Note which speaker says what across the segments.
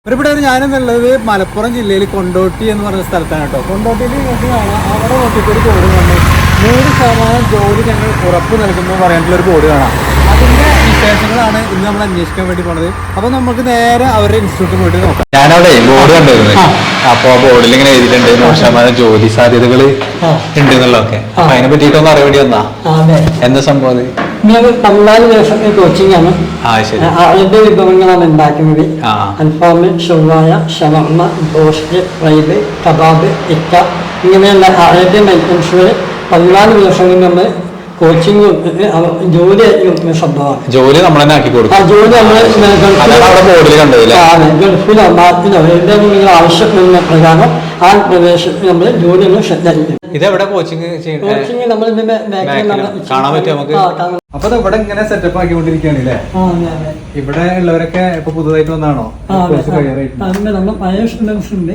Speaker 1: ഇവിടെ ഞാനെന്നുള്ളത് മലപ്പുറം ജില്ലയിൽ കൊണ്ടോട്ടി എന്ന് പറഞ്ഞ സ്ഥലത്താണ് കേട്ടോ. കൊണ്ടോട്ടിയിൽ നിങ്ങൾക്ക് കാണാം, അവിടെ നോക്കിയിട്ട് ഒരു ബോർഡ് കാണും, 100% ജോലി ഞങ്ങൾ ഉറപ്പ് നൽകുന്നു പറയാനുള്ളൊരു ബോർഡ് കാണാം. അതിന്റെ വിശേഷങ്ങളാണ് ഇന്ന് നമ്മൾ അന്വേഷിക്കാൻ വേണ്ടി പോണത്. അപ്പൊ നമുക്ക് നേരെ അവരുടെ ഇൻസ്റ്റിറ്റ്യൂട്ടിൽ പോയിട്ട് നോക്കാം.
Speaker 2: ഞാനവിടെ ബോർഡ് കണ്ടിരുന്നു. അപ്പൊ ആ ബോർഡിൽ ഇങ്ങനെ എഴുതിയിട്ടുണ്ട് 100% ജോലി സാധ്യതകൾ ഉണ്ട് എന്നുള്ളതൊക്കെ. അപ്പൊ അതിനെ പറ്റിയിട്ടൊന്ന് അറിയാൻ വേണ്ടി വന്നാ എന്താ സംഭവം?
Speaker 3: 14 ദിവസത്തെ കോച്ചിങ് ആണ്. അതിന്റെ വിഭവങ്ങളാണ് ഉണ്ടാക്കുന്നത്. അൽഫാമ്, ഷവായ, ഷവർമ, ബ്രോസ്റ്റ്, ഫ്രൈഡ്, കബാബ്, ടിക്ക ഇങ്ങനെയുള്ള അറേബ്യൻ ഐറ്റംസുകൾ 14 ദിവസങ്ങളിൽ നമ്മൾ കോച്ചിങ് ജോലി സംഭവമാണ്.
Speaker 2: ജോലി നമ്മൾ തന്നെ ആക്കി കൊടുക്കും.
Speaker 3: ജോലി നമ്മൾ ഗൾഫിലോ നാട്ടിലോ എവിടെയും നിങ്ങൾ ആവശ്യപ്പെടുന്ന പ്രകാരം ആ പ്രദേശത്ത് നമ്മൾ ജോലികൾ ശ്രദ്ധിക്കും.
Speaker 2: ഇതെവിടെ കോച്ചിങ്
Speaker 3: കോച്ചിങ് നമ്മൾ
Speaker 2: കാണാൻ പറ്റും നമുക്ക്.
Speaker 1: അപ്പൊ ഇവിടെ ഇങ്ങനെ സെറ്റപ്പ് ആക്കിക്കൊണ്ടിരിക്കുകയാണ് അല്ലേ? ഇവിടെ ഉള്ളവരൊക്കെ ഇപ്പൊ പുതുതായിട്ട് വന്നാണോ?
Speaker 3: നമ്മൾ പഴയ സ്റ്റുഡൻസ് ഉണ്ട്.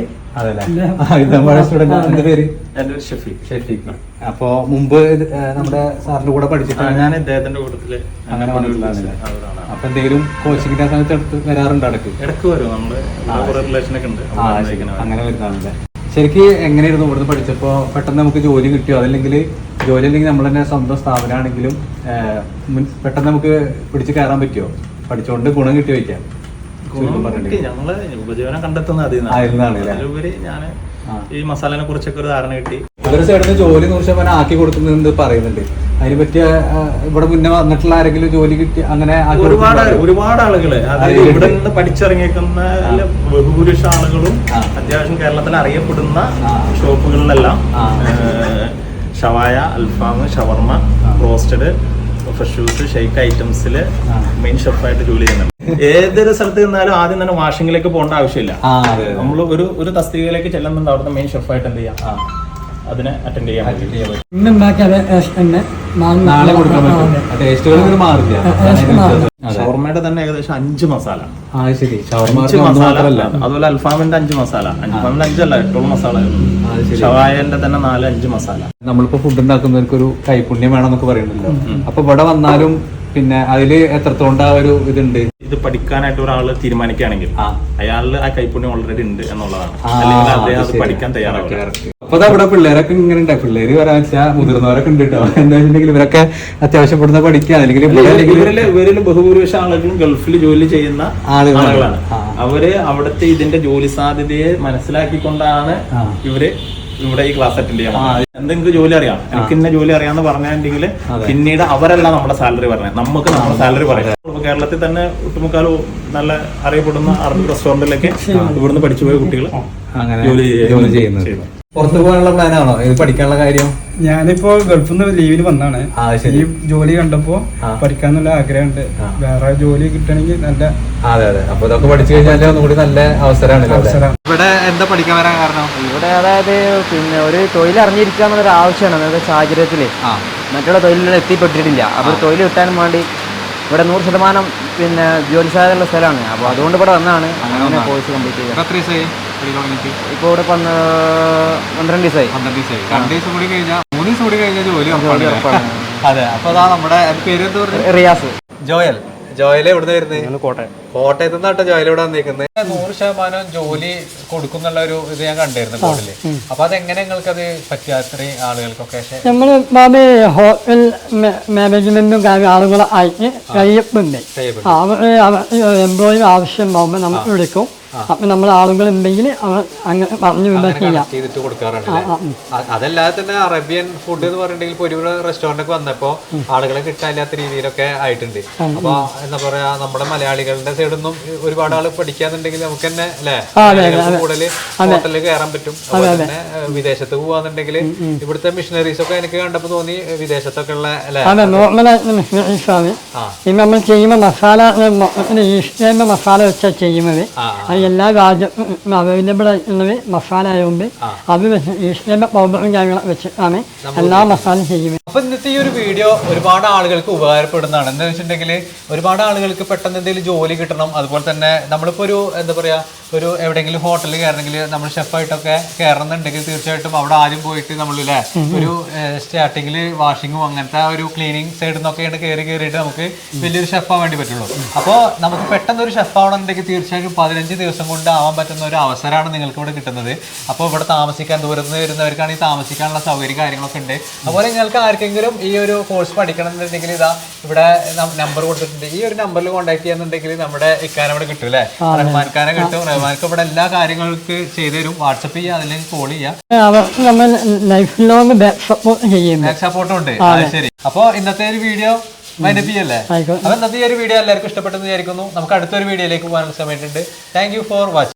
Speaker 1: ഷെഫീഖ്. അപ്പൊ മുമ്പ് നമ്മുടെ സാറിന്റെ കൂടെ പഠിച്ചിട്ടാണ്
Speaker 4: ഞാൻ ഇദ്ദേഹത്തിന്റെ കൂട്ടത്തില്
Speaker 1: അങ്ങനെ വന്നിട്ടുള്ളതാണ്. അപ്പൊ എന്തെങ്കിലും കോച്ചിങ്ങിന്റെ സമയത്ത് എടുത്ത് വരാറുണ്ട്?
Speaker 4: ഇടക്ക് വരും. നമ്മള് റിലേഷനൊക്കെ ഉണ്ട്.
Speaker 1: അങ്ങനെ വരുന്നതാണല്ലേ. ശരിക്ക് എങ്ങനെയായിരുന്നു ഇവിടുന്ന് പഠിച്ചപ്പോ പെട്ടെന്ന് നമുക്ക് ജോലി കിട്ടിയോ? അതല്ലെങ്കിൽ ജോലി അല്ലെങ്കിൽ നമ്മൾ തന്നെ സ്വന്തം സ്ഥാപനമാണെങ്കിലും പെട്ടെന്ന് നമുക്ക് പിടിച്ച് കയറാൻ പറ്റുമോ? പഠിച്ചുകൊണ്ട് ഗുണം കിട്ടി വയ്ക്കാം.
Speaker 4: ഞങ്ങള് ഉപജീവനം കണ്ടെത്തുന്ന അതിലുപരി ഞാൻ ഈ മസാലനെ കുറിച്ചൊക്കെ ഒരു ധാരണ കിട്ടി.
Speaker 1: ഇവരുടെ സൈഡിൽ നിന്ന് ജോലി 100% ആക്കി കൊടുക്കുന്നുണ്ട് പറയുന്നുണ്ട്. അതിനെ പറ്റിയ ഇവിടെ മുന്നേ വന്നിട്ടുള്ള ആരെങ്കിലും ജോലി കിട്ടി അങ്ങനെ
Speaker 4: ഒരുപാട് ആളുകള് അതായത് ഇവിടെ നിന്ന് പഠിച്ചിറങ്ങിയേക്കുന്ന ബഹുഭൂരിഷ ആളുകളും അത്യാവശ്യം കേരളത്തിൽ അറിയപ്പെടുന്ന ഷോപ്പുകളിലെല്ലാം ഷവായ, അൽഫാം, ഷവർമ, റോസ്റ്റഡ്, ഫ്രഷൂസ്, ഷെയ്ക്ക് ഐറ്റംസില് മെയിൻ ഷെഫായിട്ട് ജോലി ചെയ്യുന്നുണ്ട്. ഏതൊരു സ്ഥലത്ത് നിന്നാലും ആദ്യം തന്നെ വാഷിംഗിലേക്ക് പോകേണ്ട ആവശ്യമില്ല. നമ്മൾ ഒരു തസ്തികയിലേക്ക് ചെല്ലുന്നുണ്ട്, അവിടുത്തെ മെയിൻ ഷെഫായിട്ട് എന്ത് ചെയ്യാം, അതിനെ അറ്റൻഡ് ചെയ്യാൻ പറ്റും. ഷവർമയുടെ തന്നെ ഏകദേശം 5 മസാല. അതുപോലെ അൽഫാമിന്റെ 5 മസാല. അൽഫാമിന്റെ 5 അല്ല, 8 മസാല. ഷവായന്റെ തന്നെ 4-5 മസാല.
Speaker 1: നമ്മളിപ്പോ ഫുഡ് ഉണ്ടാക്കുന്നവർക്ക് ഒരു കൈപുണ്യം വേണമെന്നൊക്കെ പറയുന്നുണ്ടല്ലോ. അപ്പൊ ഇവിടെ വന്നാലും പിന്നെ അതില് എത്രത്തോണ്ട ഒരു ഇതുണ്ട്.
Speaker 4: ഇത് പഠിക്കാനായിട്ട് ഒരാൾ തീരുമാനിക്കുകയാണെങ്കിൽ അയാളിൽ ആ കൈപുണ്യം ഓൾറെഡി ഉണ്ട് എന്നുള്ളതാണ്. അല്ലെങ്കിൽ അദ്ദേഹം അത് പഠിക്കാൻ തയ്യാറാവും.
Speaker 1: അപ്പൊ അവിടെ പിള്ളേരൊക്കെ ഇങ്ങനെ ഉണ്ട്. പിള്ളേര് പറയാൻ വെച്ചാൽ മുതിർന്നവരൊക്കെ ഉണ്ട് കേട്ടോ. എന്താ വെച്ചിട്ടുണ്ടെങ്കിൽ ഇവരൊക്കെ അത്യാവശ്യം ഇവിടുന്ന് പഠിക്കുക.
Speaker 4: ഇവരിൽ ബഹുഭൂരിപക്ഷ ആളുകളും ഗൾഫിൽ ജോലി ചെയ്യുന്ന ആളുകളാണ്. അവര് അവിടുത്തെ ഇതിന്റെ ജോലി സാധ്യതയെ മനസ്സിലാക്കിക്കൊണ്ടാണ് ഇവര് ഇവിടെ ഈ ക്ലാസ് അറ്റൻഡ് ചെയ്യാം. എന്തെങ്കിലും ജോലി അറിയാം, എനിക്ക് ഇന്ന ജോലി അറിയാന്ന് പറഞ്ഞിട്ടുണ്ടെങ്കിൽ പിന്നീട് അവരല്ല നമ്മുടെ സാലറി പറഞ്ഞത്, നമുക്ക് നമ്മുടെ സാലറി പറയാം. കേരളത്തിൽ തന്നെ ഒട്ടുമുക്കാലും നല്ല അറിയപ്പെടുന്ന അറബ് റെസ്റ്റോറന്റിലൊക്കെ ഇവിടുന്ന് പഠിച്ചുപോയ കുട്ടികൾ
Speaker 1: ജോലി ചെയ്യുന്നത്. പുറത്തു പോകാനുള്ള പ്ലാനാണോ ഇത് പഠിക്കാനുള്ള കാര്യം?
Speaker 5: ഞാനിപ്പോ ഗൾഫിൽ നിന്ന് ലീവിന് വന്നാണ്. ഈ ജോലി കണ്ടപ്പോ പഠിക്കാന്നുള്ള ആഗ്രഹമുണ്ട്. വേറെ ജോലി കിട്ടണമെങ്കിൽ നല്ല.
Speaker 1: അതെ. അപ്പൊ ഇതൊക്കെ പഠിച്ചു കഴിഞ്ഞാൽ ഒന്നുകൂടി നല്ല അവസരമാണ്. ഇവിടെ എന്താ പഠിക്കാൻ വരാൻ കാരണം?
Speaker 6: ഇവിടെ അതായത് പിന്നെ ഒരു തൊഴിൽ അറിഞ്ഞിരിക്കുക എന്നുള്ളൊരു ആവശ്യമാണ്. അതായത് സാഹചര്യത്തില് മറ്റുള്ള തൊഴിലുകൾ എത്തിപ്പെട്ടിട്ടില്ല. അപ്പോൾ തൊഴിൽ കിട്ടാനും വേണ്ടി ഇവിടെ 100% പിന്നെ ജോലി സാധ്യതയുള്ള സ്ഥലമാണ്. അപ്പോൾ അതുകൊണ്ട് ഇവിടെ വന്നാണ് അങ്ങനെ കോഴ്സ് കംപ്ലീറ്റ് ചെയ്യുക. ഇപ്പോൾ ഇവിടെ 12 ദിവസമായി.
Speaker 1: 2 ദിവസം കൂടി കഴിഞ്ഞാൽ 3 ദിവസം കൂടി കഴിഞ്ഞാൽ ജോലി ഉറപ്പാണ്. അതെ. അപ്പൊ അതാ നമ്മുടെ പേര് എന്താ പറയുക?
Speaker 6: റിയാസ്.
Speaker 1: ജോയൽ എവിടെ വരുന്നത്? കോട്ടയത്ത് നിന്നാട്ടോ ജോയൽ ഇവിടെ വന്നിരിക്കുന്നത്. 100% ജോലി കൊടുക്കുന്നുള്ള ഒരു ഇത് ഞാൻ കണ്ടിരുന്നു ബോർഡില്. അപ്പൊ അതെങ്ങനെ നിങ്ങൾക്ക് അത് പറ്റിയ അത്രയും ആളുകൾക്കൊക്കെ?
Speaker 3: നമ്മള് ഹോട്ടൽ മാനേജ്മെന്റും ആളുകളെ ആയിട്ട് കഴിയപ്പുണ്ട്. എംപ്ലോയി ആവശ്യമാകുമ്പോൾ നമ്മൾ വിളിക്കും. അപ്പൊ നമ്മൾ ആളുകൾ ഉണ്ടെങ്കിൽ അങ്ങനെ പറഞ്ഞു
Speaker 1: ചെയ്തിട്ട് കൊടുക്കാറുണ്ട്. അതല്ലാതെ തന്നെ അറേബ്യൻ ഫുഡ് എന്ന് പറഞ്ഞിട്ടുണ്ടെങ്കിൽ ഒരുപാട് റെസ്റ്റോറന്റ് ഒക്കെ വന്നപ്പോ ആളുകളെ കിട്ടാനില്ലാത്ത രീതിയിലൊക്കെ ആയിട്ടുണ്ട്. അപ്പൊ എന്താ പറയാ, നമ്മുടെ മലയാളികളുടെ സൈഡൊന്നും ഒരുപാട് ആള് പഠിക്കാന്നുണ്ടെങ്കിൽ നമുക്ക് തന്നെ അല്ലെ കൂടുതൽ ഹോട്ടലിൽ കയറാൻ പറ്റും. അതുപോലെ തന്നെ വിദേശത്ത് പോവാന്നുണ്ടെങ്കിൽ ഇവിടുത്തെ മിഷനറീസ് ഒക്കെ എനിക്ക് കണ്ടപ്പോ തോന്നി വിദേശത്തൊക്കെ ഉള്ള
Speaker 3: നമ്മൾ ചെയ്യുമ്പോൾ മസാല വെച്ചാൽ ചെയ്യുന്നത് എല്ലാ രാജ്യത്തും അവൈലബിൾ ആയിട്ടുള്ളത് മസാല ആയതുകൊണ്ട് അത് ഈസ്റ്റേന്റെ പൗഡറും കാര്യങ്ങളും വെച്ചിട്ടാണ് എല്ലാ മസാലയും ചെയ്യുന്നത്.
Speaker 1: അപ്പൊ ഇന്നത്തെ ഈ ഒരു വീഡിയോ ഒരുപാട് ആളുകൾക്ക് ഉപകാരപ്പെടുന്നതാണ്. എന്താ വെച്ചിട്ടുണ്ടെങ്കിൽ ഒരുപാട് ആളുകൾക്ക് പെട്ടെന്ന് എന്തെങ്കിലും ജോലി കിട്ടണം. അതുപോലെ തന്നെ നമ്മളിപ്പോ ഒരു എന്താ പറയാ, ഒരു എവിടെയെങ്കിലും ഹോട്ടലിൽ കയറണമെങ്കിൽ നമ്മൾ ഷെഫായിട്ടൊക്കെ കയറണമെന്നുണ്ടെങ്കിൽ തീർച്ചയായിട്ടും അവിടെ ആദ്യം പോയിട്ട് നമ്മളില്ലേ ഒരു സ്റ്റാർട്ടിങ്ങിൽ വാഷിങ്ങും അങ്ങനത്തെ ഒരു ക്ലീനിങ് സൈഡിൽ നിന്നൊക്കെയാണ് കയറിയിട്ട് നമുക്ക് വലിയൊരു ഷെഫാൻ വേണ്ടി പറ്റുള്ളൂ. അപ്പോൾ നമുക്ക് പെട്ടെന്ന് ഒരു ഷെഫ് ആവണമെന്നുണ്ടെങ്കിൽ തീർച്ചയായിട്ടും 15 ദിവസം കൊണ്ട് ആവാൻ പറ്റുന്ന ഒരു അവസരമാണ് നിങ്ങൾക്ക് ഇവിടെ കിട്ടുന്നത്. അപ്പോൾ ഇവിടെ താമസിക്കാൻ ദൂരത്ത് നിന്ന് വരുന്നവർക്കാണെങ്കിൽ താമസിക്കാനുള്ള സൗകര്യം കാര്യങ്ങളൊക്കെ ഉണ്ട്. അതുപോലെ നിങ്ങൾക്ക് ആർക്കെങ്കിലും ഈ ഒരു കോഴ്സ് പഠിക്കണം എന്നുണ്ടെങ്കിൽ ഇതാ ഇവിടെ നമ്പർ കൊടുത്തിട്ടുണ്ട്. ഈ ഒരു നമ്പറിൽ കോൺടാക്ട് ചെയ്യാന്നുണ്ടെങ്കിൽ നമ്മുടെ ഇക്കാനെ ഇവിടെ കിട്ടും അല്ലേ, റഹ്മാൻഖാനെ കിട്ടും. റഹ്മാൻക്ക് ഇവിടെ എല്ലാ കാര്യങ്ങൾക്ക് ചെയ്തു തരും. വാട്സപ്പ് ചെയ്യുക, അല്ലെങ്കിൽ കോൾ ചെയ്യുക.
Speaker 3: അവർക്ക് നമ്മൾ ലൈഫ് ലോങ് ബാക്ക് സപ്പോർട്ട് ചെയ്യുന്നു.
Speaker 1: ബാക്ക് സപ്പോർട്ടും ഉണ്ട്. ശരി, അപ്പൊ ഇന്നത്തെ ഒരു വീഡിയോ മൈനപ്പിയല്ലേ? അപ്പൊ ഇന്നത്തെ ഈ ഒരു വീഡിയോ എല്ലാവർക്കും ഇഷ്ടപ്പെട്ടെന്ന് വിചാരിക്കുന്നു. നമുക്ക് അടുത്തൊരു വീഡിയോയിലേക്ക് പോകാനുള്ള സമയത്തുണ്ട്. Thank you for watching.